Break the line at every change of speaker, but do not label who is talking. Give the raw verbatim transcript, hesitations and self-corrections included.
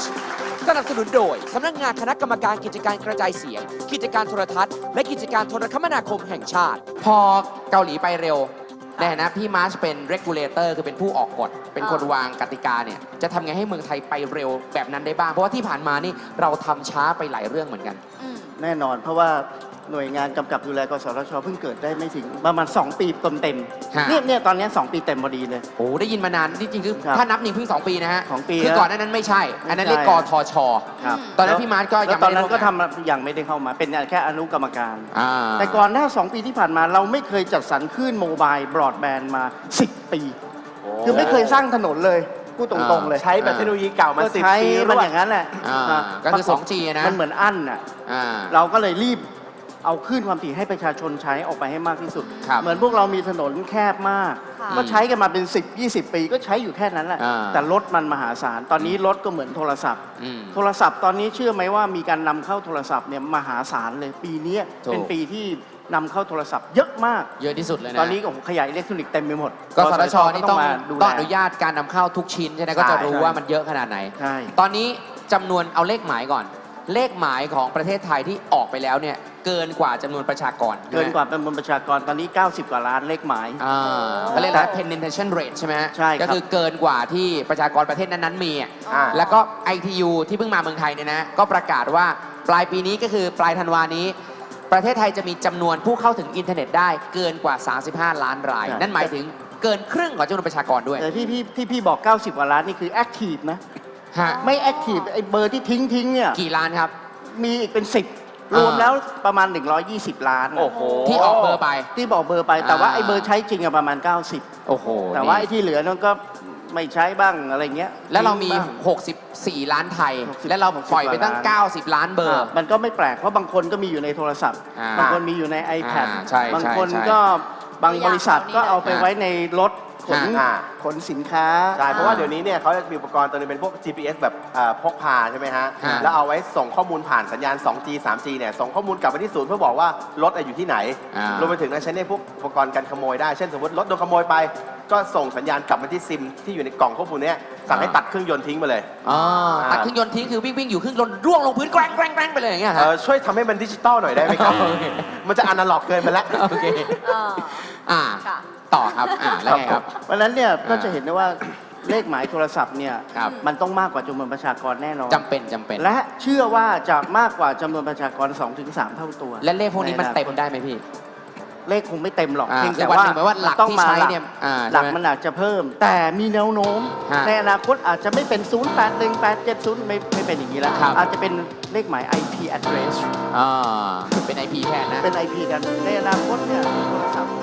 ชสนับสนุนโดยสำนักงานคณะกรรมการกิจการกระจายเสียง กิจการโทรทัศน์และกิจการโทรคมนาคมแห่งชาติ พอเกาหลีไปเร็วในฐานะพี่มาร์ชเป็น regulator คือเป็นผู้ออกกฎเป็นคนวางกติกาเนี่ยจะทำไงให้เมืองไทยไปเร็วแบบนั้นได้บ้าง เพราะว่าที่ผ่านมานี่เราทำช้าไปหลายเรื่องเหมือนกัน
แน่นอนเพราะว่าหน่วยงานกำกับดูแลกสทชเพิ่งเกิดได้ไม่ถึงประมาณสองปีเต็มเต็มๆ
ฮะ
เนี่ยเนี่ยตอนนี้สองปีเต็มพอดีเลย
โอ้ได้ยินมานานจริงๆคือ
ครับ
ถ้านับหนึ่งเพิ่งสองปีนะฮะ
สองปี
คือ
แล้ว
ก่อนหนานั้นไม่ใช่ อันนั้นเรียก
ไม่
ก
ใช่
ทช
ครับ
ตอนนั้นพี่มาร์ชก็ยัง
แล้วตอน
ไม่ได้
นั้นก็
ร่วมงาน
ทำยังไม่ได้เข้ามาเป็นแค่อนุกรรมการ
อ่า
แต่ก่อนหน้าสองปีที่ผ่านมาเราไม่เคยจัดสรรคลื่นโมบายบรอดแบนด์มาสิบปี คือไม่เคยสร้างถนนเลยพูดตรงๆเลย
ใช้แบบเทคโนโลยีเก่ามา
ก็
สิบ
ใช้
ปี
มัน
รว
อ
ด
ย่างนั้นแหละ
อ่า
อ่ะ
ก็คือ สอง จี นะ
มันเหมือนอั้นอ่ะ
อ่า
เราก็เลยรีบเอาคลื่นความถี่ให้ประชาชนใช้ออกไปให้มากที่สุด
ครับ
เหมือนพวกเรามีถนนแคบมาก
ค่ะ
ก็ใช้กันมาเป็นสิบ ยี่สิบ ปีก็ใช้อยู่แค่นั้นแหละ
อ่า
แต่รถมันมหาศาล ตอนนี้รถก็เหมือนโทรศัพท์
อืม
โทรศัพท์ตอนนี้เชื่อไหมว่ามีการนำเข้าโทรศัพท์เนี่ยมหาศาลเลย ปีนี้
ถูก
เป็นปีที่นำเข้าโทรศัพท์เยอะมาก
เยอะที่สุดเลยนะ
ตอนนี้ก็ขยะอิเล็กทรอนิกส์เต็มไปหมด
กสทชนี่ต้อง
มาดู
ต้อง
แล
อนุญาตการนำเข้าทุกชิ้นใช่ไหมก็จะรู้
ใช่
ว่ามันเยอะขนาดไหน
ใช่
ตอนนี้จำนวนเอาเลขหมายก่อน เลขหมายของประเทศไทยที่ออกไปแล้วเนี่ยเกินกว่าจำนวนประชากร
เกินกว่าจำนวนประชากรตอนนี้ เก้าสิบ กว่าล้านเลขหมาย
อ่าเขาเรียกอะไร penetration rate ใช่ไหมฮะ
ใช่ครับ
ก็คือเกินกว่าที่ประชากรประเทศนั้นๆมีอ่ะ
อ่า
แล้วก็ ไอ ที ยู ที่เพิ่งมาเมืองไทยเนี่ยนะก็ประกาศว่าปลายปีนี้ก็คือปลายธันวานี้ ประเทศไทยจะมีจำนวนผู้เข้าถึงอินเทอร์เน็ตได้เกินกว่า สามสิบห้า ล้านราย
ใช่
นั่นหมายถึงเกินครึ่งของจำนวนประชากรด้วย
แต่ที่พี่ที่พี่บอก เก้าสิบ กว่าล้านนี่คือแอคทีฟนะ
ฮะ
ไม่แอคทีฟไอ้เบอร์ที่ทิ้งทิ้งเนี่ย
กี่ล้านครับ
มีอีกเป็นสิบรวมแล้วประมาณ หนึ่งร้อยยี่สิบ ล้าน
โอ้โห
ที่ออกเบอร์ไป
ที่บอกเบอร์ไปแต่ว่า
อ่า
ไอ้เบอร์ใช้จริงอะประมาณ เก้าสิบ
โอ้โห
แต่ว่า
นี่
ไอ้ที่เหลือนั่นก็ไม่ใช้บ้างอะไรเงี้ย
แล้วเรามี
ทิ้งบ้ง
หกสิบสี่ ล้านไทย
หกสิบ
และเราปล่อยไปตั้ง
หกสิบ
เก้าสิบ ล้านเบอร์
อ่ะมันก็ไม่แปลกเพราะบางคนก็มีอยู่ในโทรศัพท์
อ่า
บางคนมีอยู่ใน iPad
อ่าใช่
บางคน
ใช่
ก็บางบริษัทก็เอาไป
อ่า
ไว้ในรถขน
อ่า
ขนสินค้า
ใช่ เพราะว่าเดี๋ยวนี้เนี่ยเขาจะมีอุปกรณ์ตัวนึงเป็นพวก จี พี เอส แบบเอ่อพกพาใช่ไหมฮะ
ฮะ
แล้วเอาไว้ส่งข้อมูลผ่านสัญญาณ สองจี สามจี เนี่ยส่งข้อมูลกลับไปที่ศูนย์เพื่อบอกว่ารถอะอยู่ที่ไหน
อ่าร
วมไปถึงนะใช้ในพวกอุปกรณ์การขโมยได้ เช่นสมมติรถโดนขโมยไป ก็ส่งสัญญาณกลับมาที่ซิมที่อยู่ในกล่องข้อมูลเนี้ยสั่งให้ตัดเครื่องยนต์ทิ้งไปเลย
อ๋อ
อ่า
ตัดเครื่องยนต์ทิ้งคือวิ่งวิ่งอยู่เครื่องยนต์ร่วงลงพื้นแกร้งแกร้งแกร้งไปเลยอย่างเงี้ย
เอ
ฮะ
อช่วยทำให้มันดิจิตอลหน่อยได้ไหมครับ
โอเค
มันจะอนาล็อกเกินไปแล้ว
โอเค
เออ
อ่า
ค่ะ
ต่อครับ อ่า แล้วไงครับ
เพราะฉะนั้นเนี่ยก็
อ่า
จะเห็นได้ว่าเลขหมายโทรศัพท์เนี่ย
ครับ
มันต้องมากกว่าจำนวนประชากรแน่นอน
จำเป็นจำเป็น
และเชื่อว่าจะมากกว่าจำนวนประชากร สองถึงสาม เท่าตัว
และเลขพวกนี้มัน
ใอคต
เต็มได้ไหมพี่
เลขคงไม่เต็มหรอก
อ่า
เพียงแต่
แต่วัน
ว่า
หนึ่งหมายว่าหลัก
ต้อง
ที่
มา
ใช้
หลัก
เนี่ยอ่า
หลัก
ใช่ไหม
มันอาจจะเพิ่ม แต่มีแนวโน้ม
ฮะ
ในอนาคตอาจจะไม่เป็น ศูนย์ แปด หนึ่ง แปด เจ็ด ศูนย์ ไม่ไม่เป็นอย่างนี้แล้ว
ครับ
อาจจะเป็นเลขหมาย ไอ พี address
อ่าเป็น ไอ พี แทนนะ
เป็น ไอ พี กันในอนาคตเนี่ยโทรศัพท์